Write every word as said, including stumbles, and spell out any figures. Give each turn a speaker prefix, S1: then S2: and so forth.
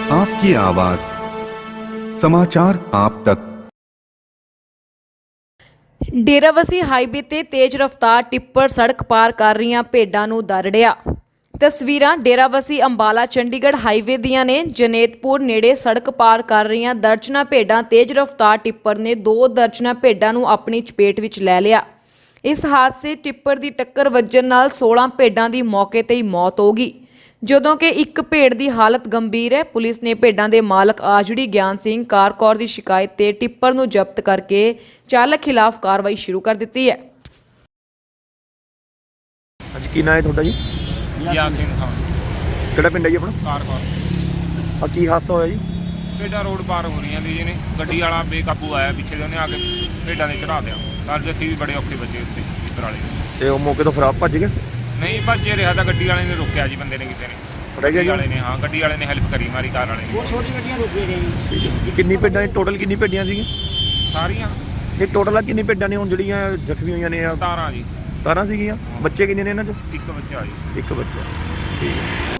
S1: आपकी आवाज, समाचार आप तक।
S2: ਡੇਰਾਬੱਸੀ ਹਾਈਵੇ ਤੇ ਤੇਜ਼ ਰਫ਼ਤਾਰ ਟਿੱਪਰ ਸੜਕ ਪਾਰ ਕਰ ਰਹੀਆਂ ਭੇਡਾਂ ਨੂੰ ਦਰੜਿਆ। ਤਸਵੀਰਾਂ ਡੇਰਾਬੱਸੀ ਅੰਬਾਲਾ ਚੰਡੀਗੜ੍ਹ ਹਾਈਵੇ ਦੀਆਂ ਨੇ। ਜਨੇਤਪੁਰ ਨੇੜੇ ਸੜਕ ਪਾਰ ਕਰ ਰਹੀਆਂ ਦਰਜਨਾਂ ਭੇਡਾਂ ਤੇਜ਼ ਰਫ਼ਤਾਰ ਟਿੱਪਰ ਨੇ ਦੋ ਦਰਜਨਾਂ ਭੇਡਾਂ ਨੂੰ ਆਪਣੀ ਚਪੇਟ ਵਿੱਚ ਲੈ ਲਿਆ। ਇਸ ਹਾਦਸੇ ਟਿੱਪਰ ਦੀ ਟੱਕਰ ਵੱਜਣ ਨਾਲ ਸੋਲਾਂ ਭੇਡਾਂ ਦੀ ਮੌਕੇ ਤੇ ਹੀ ਮੌਤ ਹੋ ਗਈ, ਜਦੋਂ ਕਿ ਇੱਕ ਭੇਡ ਦੀ ਹਾਲਤ ਗੰਭੀਰ ਹੈ। ਪੁਲਿਸ ਨੇ ਭੇਡਾਂ ਦੇ ਮਾਲਕ ਆਜੜੀ ਗਿਆਨ ਸਿੰਘ ਕਾਰਕੌਰ ਦੀ ਸ਼ਿਕਾਇਤ ਤੇ ਟਿੱਪਰ ਨੂੰ ਜ਼ਬਤ ਕਰਕੇ ਚਾਲਕ ਖਿਲਾਫ ਕਾਰਵਾਈ ਸ਼ੁਰੂ ਕਰ ਦਿੱਤੀ ਹੈ।
S3: ਅੱਜ ਕੀ ਨਾਂ ਹੈ ਤੁਹਾਡਾ ਜੀ?
S4: ਗਿਆਨ ਸਿੰਘ ਖਾਨ,
S3: ਕਿਹੜਾ ਪਿੰਡ ਹੈ ਜੀ ਆਪਣਾ?
S4: ਕਾਰਕੌਰ।
S3: ਆ ਕੀ ਹਾਦਸਾ ਹੋਇਆ ਜੀ?
S4: ਭੇਡਾਂ ਰੋਡ ਪਾਰ ਹੋ ਰਹੀਆਂ ਸੀ ਨੇ, ਗੱਡੀ ਵਾਲਾ ਬੇਕਾਬੂ ਆਇਆ ਪਿੱਛੇ ਦੇ, ਉਹਨੇ ਆ ਕੇ ਭੇਡਾਂ ਦੇ ਚੜਾ ਦਿਆ। ਸਾਰੇ ਅਸੀਂ ਵੀ ਬੜੇ ਔਖੇ ਬਚੇ ਉਸੇ ਟਿੱਪਰ ਵਾਲੇ ਦੇ।
S3: ਤੇ ਉਹ ਮੌਕੇ ਤੋਂ ਫਰਾਰ ਭੱਜ ਗਏ?
S4: ਨਹੀਂ ਭੱਜੇ ਰਿਹਾ ਤਾਂ ਗੱਡੀ ਵਾਲੇ ਨੇ ਰੋਕਿਆ ਜੀ, ਬੰਦੇ ਨੇ ਕਿਸੇ ਨੇ
S3: ਫੜਿਆ ਗਿਆ
S4: ਗੱਡੀ
S3: ਜੀ?
S4: ਵਾਲੇ ਨੇ, ਹਾਂ ਗੱਡੀ ਵਾਲੇ ਨੇ ਹੈਲਪ ਕਰੀ ਮਾਰੀ ਕਾਰ ਵਾਲੇ ਨੇ।
S5: ਬਹੁਤ ਛੋਟੀ ਗੱਡੀਆਂ ਰੁਕੇ ਨੇ ਜੀ।
S3: ਠੀਕ ਹੈ। ਕਿੰਨੀ ਭੇਡਾਂ ਨੇ ਟੋਟਲ, ਕਿੰਨੀ ਭੇਡਾਂ ਸੀਗੀਆਂ
S4: ਸਾਰੀਆਂ
S3: ਇਹ ਟੋਟਲ? ਆ ਕਿੰਨੀ ਭੇਡਾਂ ਨੇ ਹੁਣ ਜਿਹੜੀਆਂ ਜ਼ਖਮੀ ਹੋਈਆਂ ਨੇ?
S4: ਤਾਰਾਂ ਜੀ,
S3: ਤਾਰਾਂ ਸੀਗੀਆਂ। ਬੱਚੇ ਕਿੰਨੇ ਨੇ ਇਹਨਾਂ 'ਚ?
S4: ਇੱਕ ਬੱਚਾ ਜੀ।
S3: ਇੱਕ ਬੱਚਾ। ਠੀਕ ਹੈ।